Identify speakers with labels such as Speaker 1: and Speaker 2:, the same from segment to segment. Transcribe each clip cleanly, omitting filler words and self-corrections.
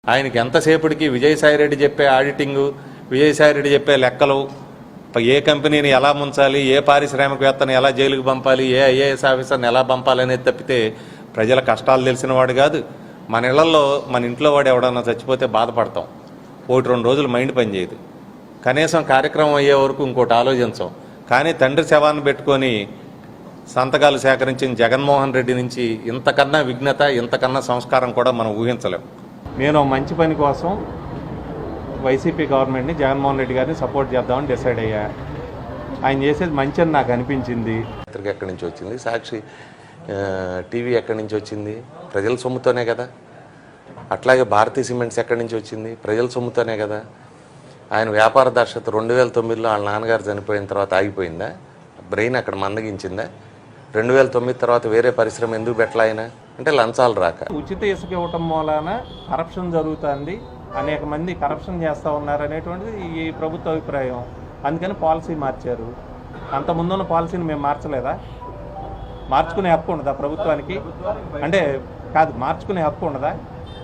Speaker 1: ఆయనకి ఎంతసేపటికి విజయసాయిరెడ్డి చెప్పే ఆడిటింగు, విజయసాయిరెడ్డి చెప్పే లెక్కలు, ఏ కంపెనీని ఎలా ముంచాలి, ఏ పారిశ్రామికవేత్తను ఎలా జైలుకు పంపాలి, ఏ ఐఏఎస్ ఆఫీసర్ని ఎలా పంపాలి అనేది తప్పితే ప్రజల కష్టాలు తెలిసిన వాడు కాదు. మన ఇళ్లలో మన ఇంట్లో వాడు ఎవడన్నా చచ్చిపోతే బాధపడతాం, 1-2 రోజులు మైండ్ పనిచేయదు, కనీసం కార్యక్రమం అయ్యే వరకు ఇంకోటి ఆలోచించాం. కానీ తండ్రి శవాన్ని పెట్టుకొని సంతకాలు సేకరించిన జగన్మోహన్ రెడ్డి నుంచి ఇంతకన్నా విఘ్నత, ఇంతకన్నా సంస్కారం కూడా మనం ఊహించలేం. నేను మంచి పని కోసం వైసీపీ గవర్నమెంట్ని, జగన్మోహన్ రెడ్డి గారిని సపోర్ట్ చేద్దామని డిసైడ్ అయ్యా. ఆయన చేసేది మంచి అని నాకు అనిపించింది. పత్రిక ఎక్కడి నుంచి వచ్చింది, సాక్షి టీవీ ఎక్కడి నుంచి వచ్చింది, ప్రజల సొమ్ముతోనే కదా. అట్లాగే భారతీయ సిమెంట్స్ ఎక్కడి నుంచి వచ్చింది, ప్రజల సొమ్ముతోనే కదా. ఆయన వ్యాపార దర్శకత 2009లో వాళ్ళ నాన్నగారు చనిపోయిన తర్వాత ఆగిపోయిందా? బ్రెయిన్ అక్కడ మందగించిందా? 2009 తర్వాత వేరే పరిశ్రమ ఎందుకు పెట్టలే ఆయన అంటే లంచాలు రాక. ఉచిత ఇసుక ఇవ్వటం మూలాన కరప్షన్ జరుగుతుంది, అనేక మంది కరప్షన్ చేస్తూ ఉన్నారు అనేటువంటిది ఈ ప్రభుత్వ అభిప్రాయం. అందుకని పాలసీ మార్చారు. అంత ముందున్న పాలసీని మేము మార్చలేదా? మార్చుకునే హక్కు ఉండదా ప్రభుత్వానికి? అంటే కాదు, మార్చుకునే హక్కు ఉండదా?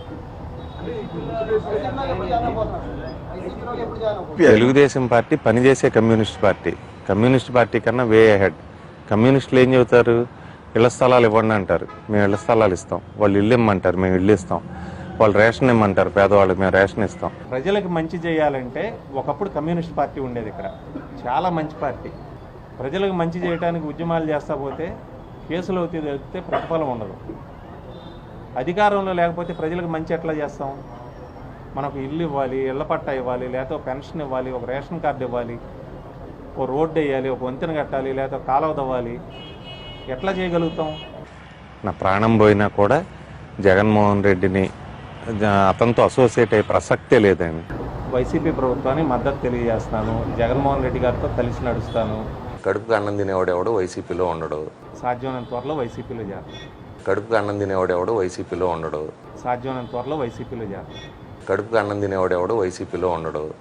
Speaker 1: తెలుగుదేశం పార్టీ పనిచేసే కమ్యూనిస్ట్ పార్టీ కన్నా వే అహెడ్. కమ్యూనిస్టులు ఏం చెబుతారు? ఇళ్ల స్థలాలు ఇవ్వండి అంటారు, మేము ఇళ్ల స్థలాలు ఇస్తాం. వాళ్ళు ఇల్లు ఇమ్మంటారు, మేము ఇల్లు ఇస్తాం. వాళ్ళు రేషన్ ఇమ్మంటారు, పేదవాళ్ళకి మేము రేషన్ ఇస్తాం. ప్రజలకు మంచి చేయాలంటే ఒకప్పుడు కమ్యూనిస్ట్ పార్టీ ఉండేది, ఇక్కడ చాలా మంచి పార్టీ. ప్రజలకు మంచి చేయడానికి ఉద్యమాలు చేస్తా పోతే కేసులు అవుతాయి తప్పితే ప్రతిఫలం ఉండదు. అధికారంలో లేకపోతే ప్రజలకు మంచి ఎట్లా చేస్తాం? మనకు ఇల్లు ఇవ్వాలి, ఇళ్ల పట్టా ఇవ్వాలి, లేకపోతే పెన్షన్ ఇవ్వాలి, ఒక రేషన్ కార్డు ఇవ్వాలి, ఓ రోడ్డు వేయాలి, ఒక వంతెన కట్టాలి, లేకపోతే కాలువ తవ్వాలి. ఎట్లా చేయగలుగుతాం? నా ప్రాణం పోయినా కూడా జగన్మోహన్ రెడ్డిని అతనితో అసోసియేట్ అయ్యే ప్రసక్తే లేదండి. వైసీపీ ప్రభుత్వానికి మద్దతు తెలియజేస్తాను, జగన్మోహన్ రెడ్డి గారితో కలిసి నడుస్తాను. కడుపుకు అన్నం తినేవాడెవడు వైసీపీలో ఉండడు, సాధ్యమైనంత త్వరలో వైసీపీలో చేస్తాను. కడుపుకు అన్నం తినేవాడెవడు వైసీపీలో ఉండడు, సాధ్యమైనంత త్వరలో వైసీపీలో చేస్తాను. కడుపుకు అన్నం తినేవాడెవడు వైసీపీలో ఉండడు,